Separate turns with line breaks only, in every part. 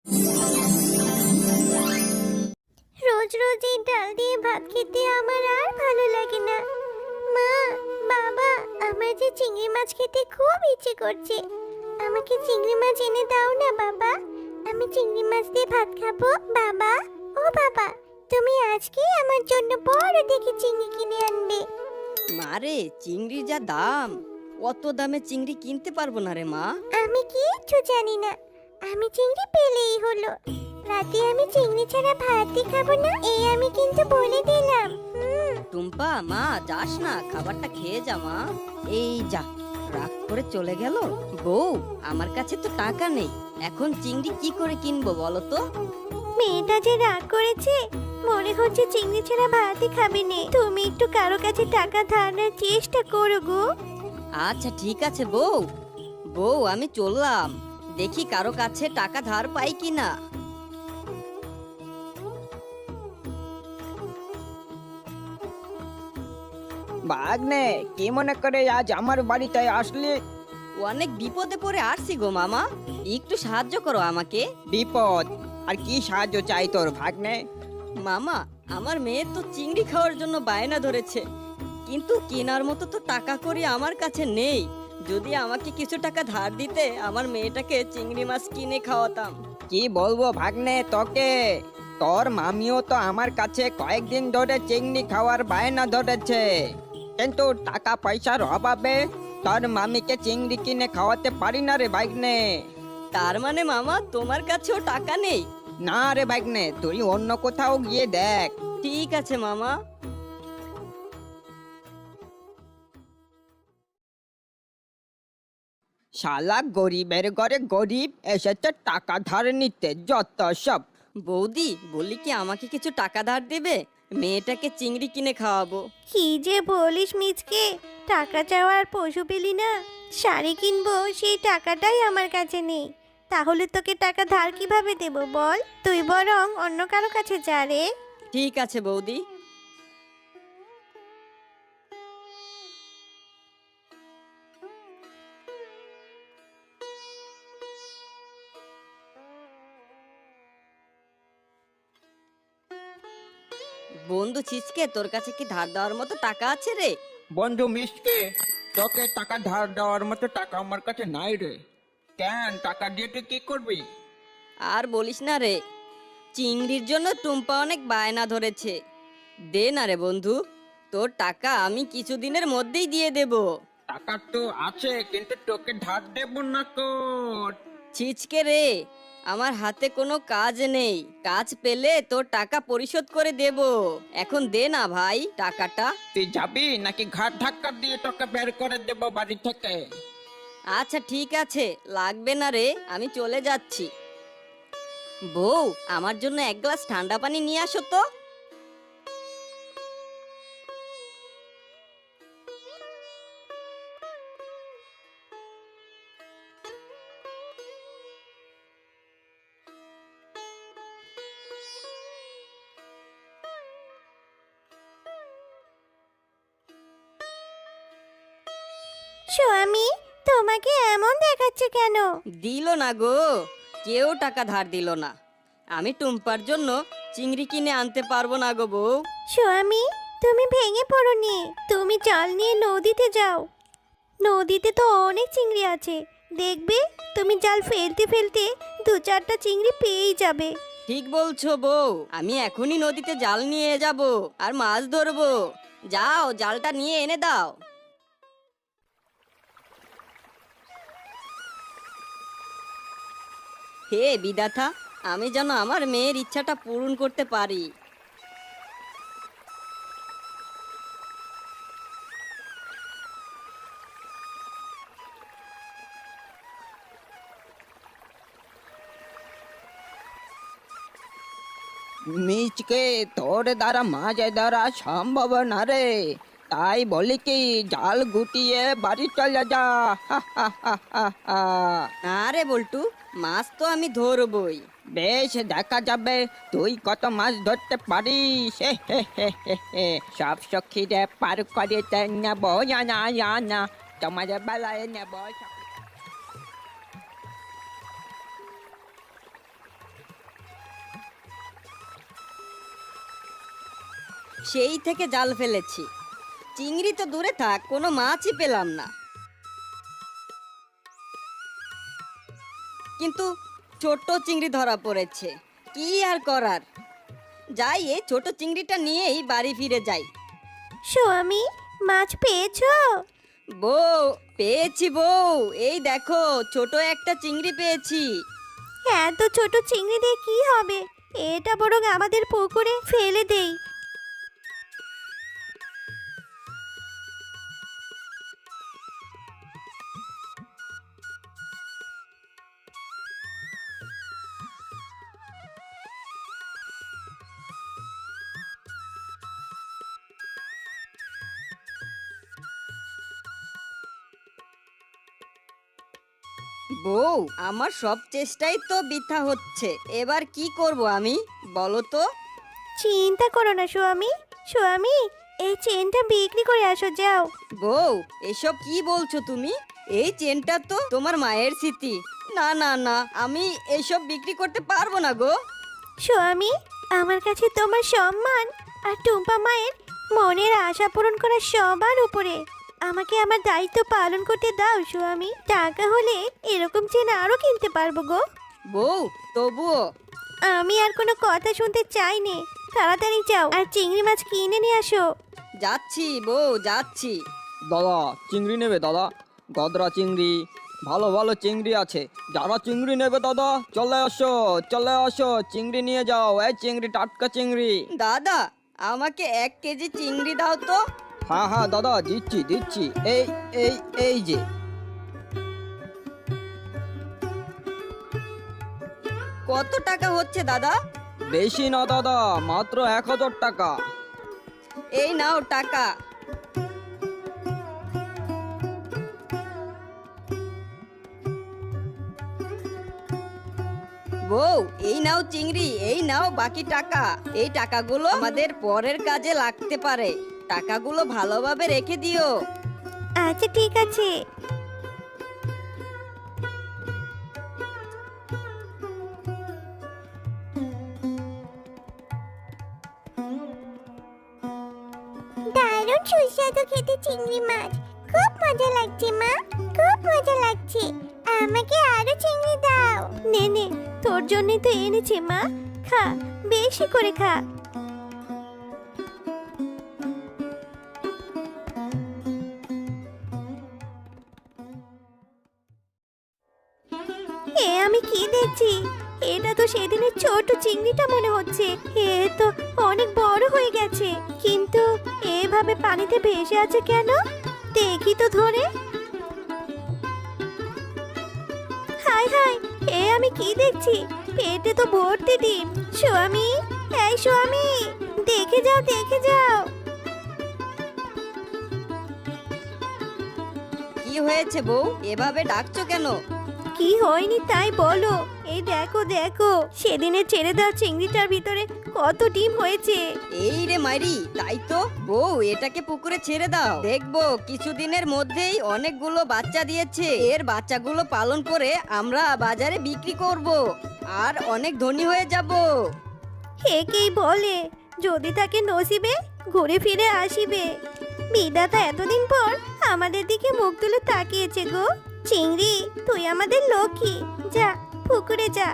রোজ রোজ এই ডাল দিয়ে ভাত খেতে আমার আর ভালো লাগে না। মা, বাবা, আমার যে চিংড়ি মাছ খেতে খুব ইচ্ছে করছে। আমাকে চিংড়ি মাছ এনে দাও না বাবা, আমি চিংড়ি মাছ দিয়ে ভাত খাবো। বাবা, ও বাবা, তুমি আজকেই আমার জন্য বড় দেখে চিংড়ি কিনে আনবে।
মারে, চিংড়ির যা দাম, অত দামে চিংড়ি কিনতে পারবো না রে মা।
আমি কিচ্ছু জানি না, আমি চিংড়ি পেলেই হলো। রাতে আমি চিংড়ি ছাড়া ভাতই খাবো না, এই আমি কিন্তু বলে দিলাম।
টুম্পা, মা যাস না, খাবারটা খেয়ে যা মা। এই যা, রাগ করে চলে গেল। বউ, আমার কাছে তো টাকা নেই, এখন চিংড়ি কি করে কিনবো বলো তো?
মেয়েটা যে রাগ করেছে, মনে হচ্ছে চিংড়ি ছাড়া ভাতই খাবে নে। তুমি একটু কারো কাছে টাকা ধারের চেষ্টা করো গো।
আচ্ছা ঠিক আছে বউ। বউ, আমি চললাম, দেখি কারো কাছে টাকা ধার পাই কিনা।
ভাগ্নে, কি মনে করে আজ আমার বাড়িতে আসলি?
অনেক বিপদে পড়ে আসছি গো মামা, একটু সাহায্য করো আমাকে।
বিপদ? আর কি সাহায্য চাই তোর ভাগ্নে?
মামা, আমার মেয়ে তো চিংড়ি খাওয়ার জন্য বায়না ধরেছে, কিন্তু কেনার মতো তো টাকা করি আমার কাছে নেই। যদি আমাকে কিছু টাকা ধার দিতে, আমার মেয়েটাকে চিংড়ি মাছ কিনে খাওয়াতাম।
কি বলবো ভাগ্নে তোকে, তোর মামিও তো আমার কাছে কয়েকদিন ধরে চিংড়ি খাওয়ার বায়না ধরেছে, কিন্তু টাকা পয়সার অভাবে তোর মামিকে চিংড়ি কিনে খাওয়াতে পারি না রে ভাগ্নে।
তার মানে মামা, তোমার কাছেও টাকা নেই?
না রে ভাগ্নে, তুই অন্য কোথাও গিয়ে দেখ।
ঠিক আছে মামা।
শালা গরিবের ঘরে গরিব এসেছে টাকা ধার নিতে, যত সব।
বৌদি, বলি কি আমাকে কিছু টাকা ধার দেবে? মেয়েটাকে চিংড়ি কিনে খাওয়াবো।
কি যে বলিস মিচকে, টাকা চাওয়ার পশু পেলি না। শাড়ি কিনবো, সেই টাকাটাই আমার কাছে নেই। তাহলে তোকে টাকা ধার কিভাবে দেব বল? তুই বরং অন্য কারো কাছে যা রে।
ঠিক আছে বৌদি। বন্ধু ছিচকে, তোর কাছে কি ধার দেওয়ার মতো টাকা আছে রে?
বন্ধু মিসকে, তোকে টাকা ধার দেওয়ার মতো টাকা আমার কাছে নাই রে। কেন, টাকা দিয়ে তুই কি করবি?
আর বলিস না রে, চিংড়ির জন্য টুম্পা অনেক বায়না ধরেছে। দে না রে বন্ধু, তোর টাকা আমি কিছুদিনের মধ্যেই দিয়ে দেব।
টাকা তো আছে, কিন্তু তোকে ধার দেব না তো।
ছিচকে রে, আমার হাতে কোনো কাজ নেই, কাজ পেলে তোর টাকা পরিশোধ করে দেব। এখন দে না ভাই টাকাটা।
তুই যাবি নাকি ঘাট ধাক্কা দিয়ে তোকে বের করে দেব বাড়ি থেকে?
আচ্ছা ঠিক আছে, লাগবে না রে, আমি চলে যাচ্ছি। বউ, আমার জন্য এক গ্লাস ঠান্ডা পানি নিয়ে আসো তো।
স্বামী, তোমাকে এমন দেখাচ্ছে কেন?
দিল না গো, কেউ টাকা ধার দিল না। আমি টুম্পার জন্য চিংড়ি কিনে আনতে পারবো না গো বউ।
স্বামী, তুমি ভেঙে পড়োনি, তুমি জাল নিয়ে নদীতে যাও। নদীতে তো অনেক চিংড়ি আছে, দেখবে তুমি জাল ফেলতে ফেলতে দু চারটা চিংড়ি পেয়েই যাবে।
ঠিক বলছো বউ, আমি এখনই নদীতে জাল নিয়ে যাব আর মাছ ধরবো। যাও, জালটা নিয়ে এনে দাও। হে বিধাতা, আমি যেন আমার মেয়ের ইচ্ছাটা পূরণ করতে পারি।
মিচকে, তোর দ্বারা মাছ ধরা সম্ভব না রে, তাই বলি কি জাল গুটিয়ে বাড়ি চলে যা। হা, হা, হা, হা, হা।
না রে বল্টু, মাছ তো আমি ধরবই।
বেশ, দেখা যাবে তুই কত মাছ ধরতে পারিস। হে হে হে হে হে। সব সখীরে পার করে নেব, জানা জানা তোমার বেলায় নেব।
সেই থেকে জাল ফেলেছি, চিংড়ি তো দূরে থাক, কোনো মাছই পেলাম না। কিন্তু ছোট চিংড়ি ধরা পড়েছে, কি আর করার। যাই, এই ছোট চিংড়িটা নিয়েই বাড়ি ফিরে যাই।
স্বামী, মাছ পেয়েছো?
বউ, পেয়েছি বউ, এই দেখো ছোট একটা চিংড়ি পেয়েছি।
এত ছোট চিংড়ি দিয়ে কি হবে? এটা বরং আমাদের পুকুরে ফেলে দেই।
বউ, আমার সব চেষ্টাই তো বৃথা হচ্ছে, এবার কি করব আমি, বলো তো?
চিন্তা করো না স্বামী। স্বামী, এই চেনটা বিক্রি করে আসো, যাও।
বউ, এসব কি বলছো তুমি? এই চেনটা তো তোমার মায়ের স্মৃতি। না না না, আমি এসব বিক্রি করতে পারবো না গো।
স্বামী, আমার কাছে তোমার সম্মান আর টুম্পা মায়ের মনের আশা পূরণ করা সবার উপরে। আমাকে আমার দায়িত্ব পালন করতে দাও স্বামী। টাকা হলে এরকম চেন আরো কিনতে পারবো গো।
বউ, তবুও।
আমি আর কোনো কথা শুনতে চাই নে। তাড়াতাড়ি যাও আর চিংড়ি মাছ কিনে নিয়ে আসো।
যাচ্ছি বউ, যাচ্ছি।
দাদা, চিংড়ি নেবে দাদা? গদরা চিংড়ি, ভালো ভালো চিংড়ি আছে। যারা চিংড়ি নেবে দাদা, চলে আসো চলে আসো, চিংড়ি নিয়ে যাও। এই চিংড়ি, টাটকা চিংড়ি।
দাদা, আমাকে 1 কেজি চিংড়ি দাও তো।
হ্যাঁ হ্যাঁ দাদা, দিচ্ছি দিচ্ছি। এই এই এই যে।
কত টাকা হচ্ছে দাদা?
বেশি না দাদা, মাত্র 1000 টাকা।
এই নাও টাকা। বউ, এই নাও চিংড়ি, এই নাও বাকি টাকা। এই টাকাগুলো আমাদের পরের কাজে লাগতে পারে, টাকাগুলো ভালোভাবে রেখে দিও।
আচ্ছা, ঠিক আছে। দারুণ সুস্বাদু খেতে চিংড়ি মাছ। খুব মজা লাগছে মা, খুব মজা লাগছে। আমাকে আরো চিংড়ি দাও। নে নে, তোর জন্যই তো এনেছি মা। খা, বেশি করে খা। এ আমি কি দেখছি? এটা তো সেদিনের ছোট চিংড়িটা মনে হচ্ছে। এ তো অনেক বড় হয়ে গেছে, কিন্তু এভাবে পানিতে ভেসে আছে কেন? দেখি তো ধরে। হায় হায়, এ আমি কি দেখছি? পেটে তো ভর্তি ডিম। স্বামী, এই স্বামী, দেখে যাও দেখে যাও।
কি হয়েছে বউ, এভাবে ডাকছো কেন?
কি হয়নি তাই বলো। এই দেখো দেখো, সেদিনে ছেড়ে দেওয়া চিংড়িটার ভিতরে কত ডিম হয়েছে।
এই রে মাইরি, তাই তো। বউ, এটাকে পুকুরে ছেড়ে দাও, দেখবো কিছুদিনের মধ্যেই অনেকগুলো বাচ্চা দিয়েছে। এর বাচ্চাগুলো পালন করে আমরা বাজারে বিক্রি করব আর অনেক ধনী হয়ে যাব।
একেই বলে যদি তাকে নসিবে ঘুরে ফিরে আসিবে। বিধাতা এতদিন পর আমাদের দিকে মুখ তুলে তাকিয়েছে গো। চিংড়ি, তুই আমাদের লক্ষ্মী। যা, পুকুরে যা।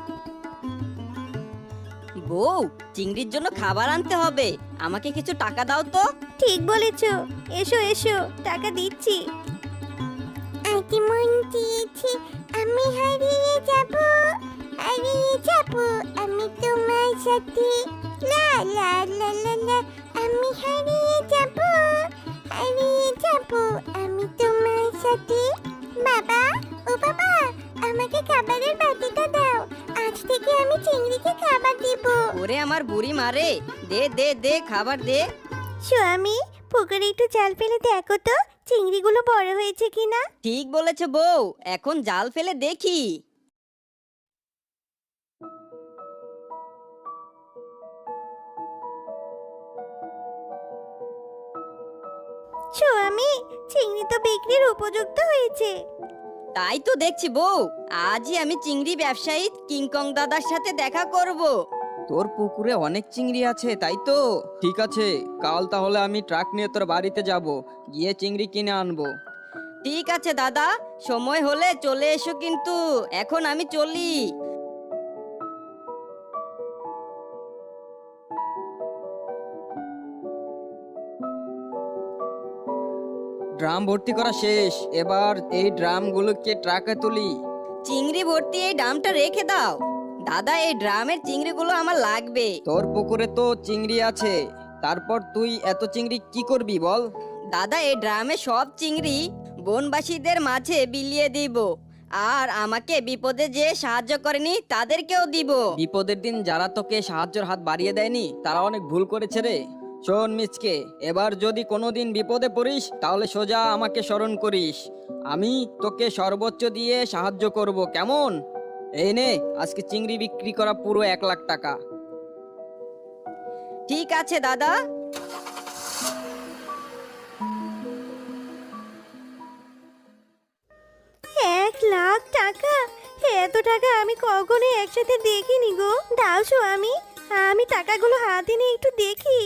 বউ, চিংড়ির জন্য খাবার আনতে হবে, আমাকে কিছু টাকা দাও তো।
ঠিক বলেছ। এসো এসো, টাকা দিচ্ছি। আগে মন দিয়েছি আমি হারিয়ে যাব, হারিয়ে যাব আমি তোমার সাথে। লা লা লা লা লা, আমি হারিয়ে যাব, হারিয়ে যাব আমি তোমার সাথে। বাবা, ও বাবা, আমাকে খাবারের বাটিটা দাও। আজ থেকে আমি চিংড়িকে খাবার দিব।
ওরে আমার বুড়ি মারে, দে দে দে, খাবার দে।
স্বামী, পুকুরে একটু জাল ফেলে দেখো তো চিংড়িগুলো বড় হয়েছে কিনা।
ঠিক বলেছে বউ, এখন জাল ফেলে দেখি।
স্বামী, চিংড়ি তো বিক্রির উপযুক্ত হয়েছে।
তাই তো দেখছি বউ, আজই আমি চিংড়ি ব্যবসায়ী কিংকং দাদার সাথে দেখা করব।
তোর পুকুরে অনেক চিংড়ি আছে তাই তো? ঠিক আছে, কাল তাহলে আমি ট্রাক নিয়ে তোর বাড়িতে যাব, গিয়ে চিংড়ি কিনে আনবো।
ঠিক আছে দাদা, সময় হলে চলে এসো কিন্তু। এখন আমি চলি।
ড্রাম ভর্তি করা শেষ, এবার এই ড্রামগুলোকে ট্রাকে তুলি।
চিংড়ি ভর্তি এই ড্রামটা রেখে দাও। দাদা, এই ড্রামের চিংড়িগুলো আমার লাগবে।
তোর পুকুরে তো চিংড়ি আছে, তারপর তুই এত চিংড়ি কি করবি বল?
দাদা, এই ড্রামে সব চিংড়ি বনবাসীদের মাঝে বিলিয়ে দিব, আর আমাকে বিপদে যে সাহায্য করেনি তাদেরকেও দিব।
বিপদের দিন যারা তোকে সাহায্যের হাত বাড়িয়ে দেয়নি তারা অনেক ভুল করেছে রে। শোন মিচকে, এবার যদি কোনোদিন বিপদে পড়িস তাহলে সোজা আমাকে স্মরণ করিস, আমি তোকে সর্বোচ্চ দিয়ে সাহায্য করব, কেমন? এই নে, আজকে চিংড়ি বিক্রি করা পুরো 1,00,000 টাকা।
ঠিক আছে দাদা।
1,00,000 টাকা? এত টাকা আমি কখনো একসাথে দেখিনি গো। দাও স্বামী, আমি টাকাগুলো হাতে নিয়ে একটু দেখি।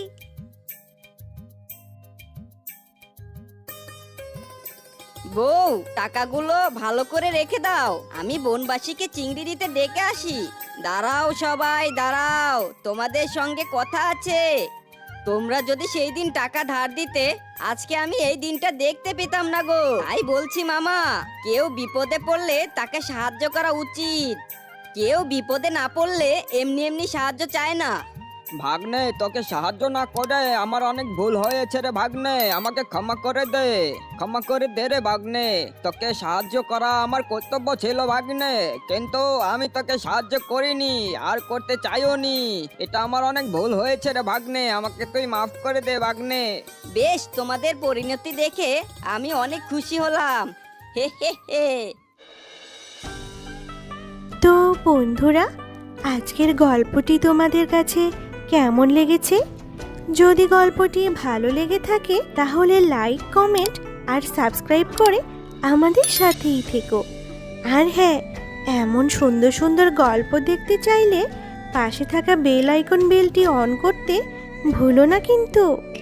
বউ, টাকাগুলো ভালো করে রেখে দাও, আমি বনবাসীকে চিংড়ি দিতে ডেকে আসি। দাঁড়াও সবাই, দাঁড়াও, তোমাদের সঙ্গে কথা আছে। তোমরা যদি সেই দিন টাকা ধার দিতে, আজকে আমি এই দিনটা দেখতে পেতাম না গো। তাই বলছি মামা, কেউ বিপদে পড়লে তাকে সাহায্য করা উচিত। কেউ বিপদে না পড়লে এমনি এমনি সাহায্য চায় না।
ভাগ্নে, তোকে সাহায্য না করে আমার অনেক ভুল হয়েছে রে ভাগ্নে, আমাকে ক্ষমা করে দে, ক্ষমা করে দে রে ভাগ্নে। তোকে সাহায্য করা আমার কর্তব্য ছিল ভাগ্নে, কিন্তু আমি তোকে সাহায্য করিনি আর করতে চাইও নি। এটা আমার অনেক ভুল হয়েছে রে ভাগ্নে, আমাকে তুই মাফ করে দে ভাগ্নে।
বেশ, তোমাদের পরিণতি দেখে আমি অনেক খুশি হলাম। হে হে হে।
তো বন্ধুরা, আজকের গল্পটি তোমাদের কাছে কেমন লেগেছে? যদি গল্পটি ভালো লেগে থাকে তাহলে লাইক, কমেন্ট আর সাবস্ক্রাইব করে আমাদের সাথেই থেকো। আর হ্যাঁ, এমন সুন্দর সুন্দর গল্প দেখতে চাইলে পাশে থাকা বেল আইকন বেলটি অন করতে ভুলো না কিন্তু।